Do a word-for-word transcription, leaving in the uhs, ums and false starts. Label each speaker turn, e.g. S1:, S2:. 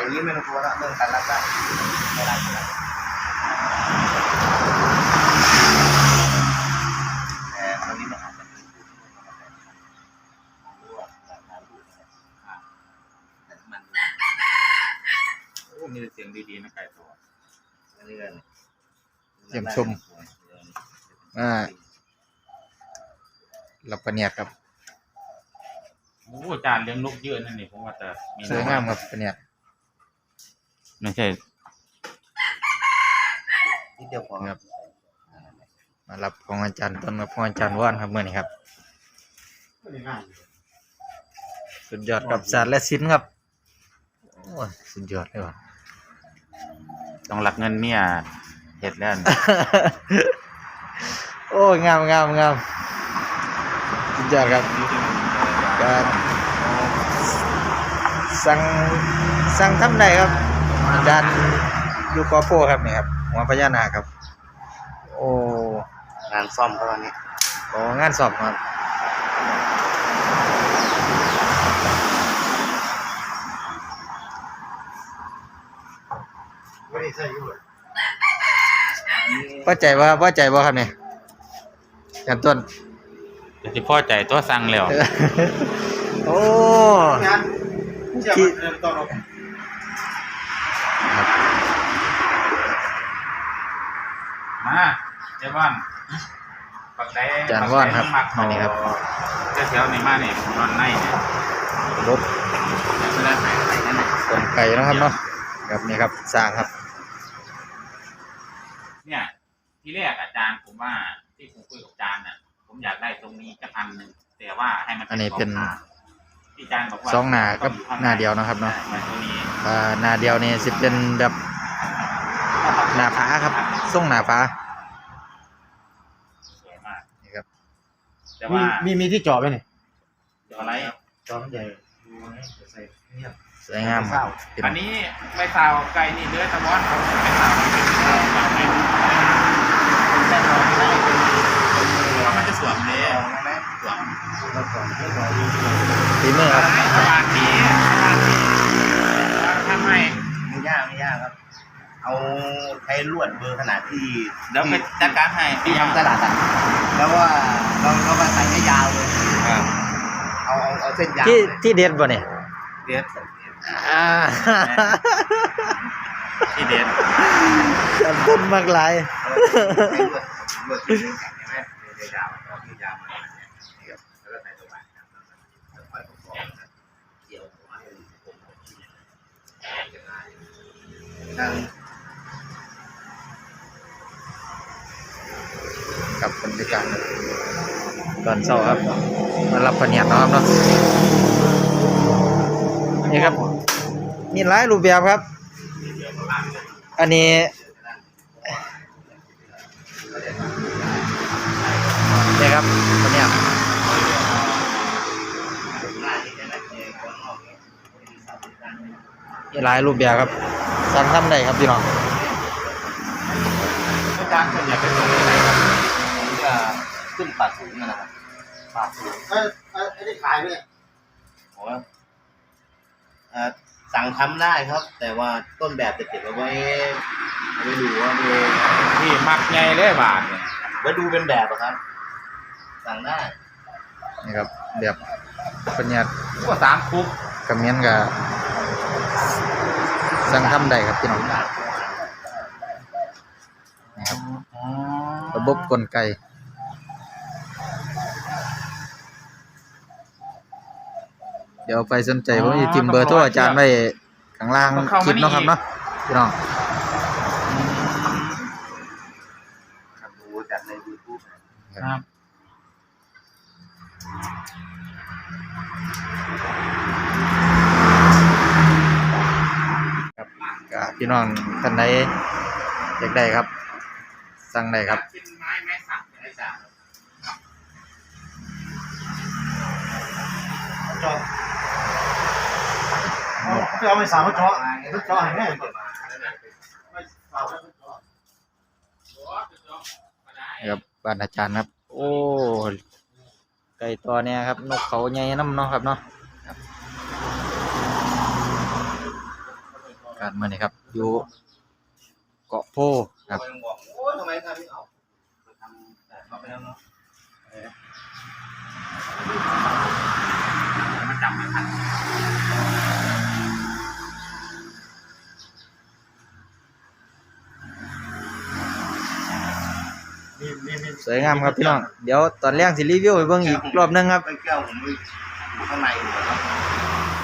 S1: อย่างนี้ไม่ต้องกลัวละเรื่องการรักได้ไม่ได้แต่ตอนนี้มันอาจจะมีแต่มัน
S2: โอ้มีเสียงดีๆนะไก่ตัว
S1: เรื่อย
S3: เยี่ยมชมอ่ารับประเนียดครับ
S2: โอ้จานเลี้ยงนกเยอะนั่นนี่ผมว่าจะมี
S3: สวยงามครับประเนียด
S2: ไม่ใช่
S1: ที่เดียวพอ
S3: ครับมารับของอาจารย์ต้นกับของอาจารย์ว่านครับเมื่อนี้ครับสุดยอดกับศาสตร์และศิลป์ครับโอ้สุดยอดเลยว่ะ
S2: ต้องหลักเงินเมียเห็ดแล้ว
S3: โอ้งามงามงามสุดยอดครับการสั่งสั่งทำได้ครับอาจารย์ยูกอโฟครับนี่ครับหัวพญานาคครับโอ้
S1: งานซ่อมเขาวันนี้
S3: โอ้งานสอบครับพอใจว่าพอใจว่าครับเนี่ยกันต้น
S2: จะที่พ่อใจตัวสั่งแล้ว
S3: โอ้ที่
S2: มาเจ้าบ้านปักได้
S3: จานว่านครับนี่ครับ
S2: เจ้าเสียวในมาเนี่ยนอนในเนี่ย
S3: รถต้นไก่นะครับเนาะครับนี่ครับสร้างครับ
S2: เนี่ยที่แรกอาจารย์ผมว่าที่ผมคุยกับอาจารย์น่ะผมอยากได้ตรงนี้จะพันหนึ่งแต่ว่าให้มัน
S3: อันนี้เป็น
S2: ที่อาจารย์บอกว่า
S3: สองหน้ากับหน้าเดียวนะครับเนาะอ่าหน้าเดียวนี่สิเป็นแบบหน้าผาครับส่งหน้าผา
S2: สวยมาก
S3: นี่ครับ
S2: แต่ว่า
S1: มีมีที่จอดไหมเนี่ย
S2: จออะไร
S1: จอมันใหญ่ใส่เงียบ
S3: สวยงามครับ
S2: อันนี้ไม่สาวไก่นี่เดือดตะวันเขาไม่สาวเพราะมันจะสวมเลยสวม
S3: ฝีมือครับ
S2: สบายดีทำไม
S1: ไม่ยากไม่ยากครับเอาใช้ลวดเบอร์ขนาดที่
S2: เดี๋ยวไปจัดการให้
S1: ที่ทำตลาดอ่ะแล้วว่าเราเราก็ใส่ให้ยาวเลยเอาเอาเอาเส้นยาว
S3: ที่ที่เด็ดบ่เนี่ย
S2: เด็ด
S3: อ่า
S2: ที่เด็ด
S3: จำต้นมากหลาย
S1: ลวดที่แข็งใช่ไหมยาวเอาที่ยาวมาเนี่ยครับแล้วก็ใส่ตัวบานครับแล้วค่อยประกอบนะเกี่ยวหัวให้ผมจะง่ายนั่ง
S3: กับบรรยากาศตอนเช้าครับมารับประเนียดนะครับเนาะนี่ครับมีหลายรูปแบบครับอันนี้นี่ครับประเนียดมีหลายรูปแบบครับสั่งทำได้ครับพี่น้อง
S1: อาจารย์ส่วนใหญ่เป็นคนอะไรครับผมจะขึ้นปากสูงนะครับปากสูงเออเออได้ขายไหมเนี่ยโอ้เออสั่งทำได้ครับแต่ว่าต้นแบบจะเก็บเอาไว้ไว้ดูว่าดู
S2: ที่มักไงเลยบาทเนี่ย
S1: ไว้ดูเป็นแบบครับสั่งได้
S3: นี่ครับแบบปัญญา
S2: ก็สามคุก
S3: กระเมียนกับสั่งทำได้ครับพี่น้องนี่ครับระบบกลไกเดี๋ยวไปสนใจผมจะทิมเบอร์โทรอาจารย์ไว้ข้างล่างคลิปเนาะครับเนาะพี่น้อง
S1: ดูจากใน YouTube
S2: ครับ
S3: ครับก็พี่น้องท่านใดอยากได้ครับสั่งได้ครับ
S2: ไม้ไม้สักได้จ้ะ
S1: จอเขาเอาไปสาวจอเขาจอให้แม่
S3: ครับบ้านอาจารย์ครับโอ้ไก่ตัวเนี้ยครับนกเขาใหญ่น้ำเนาะครับเนาะการเมื่อนี้ครับอยู่เกาะโพครับ
S1: บอกโอ้ยทำไมทำไม่เอาทำแต่เขาไปแล้วเนาะ
S2: มันจำไม่ทัน
S1: มีมีมี
S3: สวยงามครับพี่น้องเดี๋ยวตอนแรกสิรีวิวให้เบิ่งอีกรอบหนึงครับ
S1: ไปแก้วผมอยู่ข้างในอยู่ครับ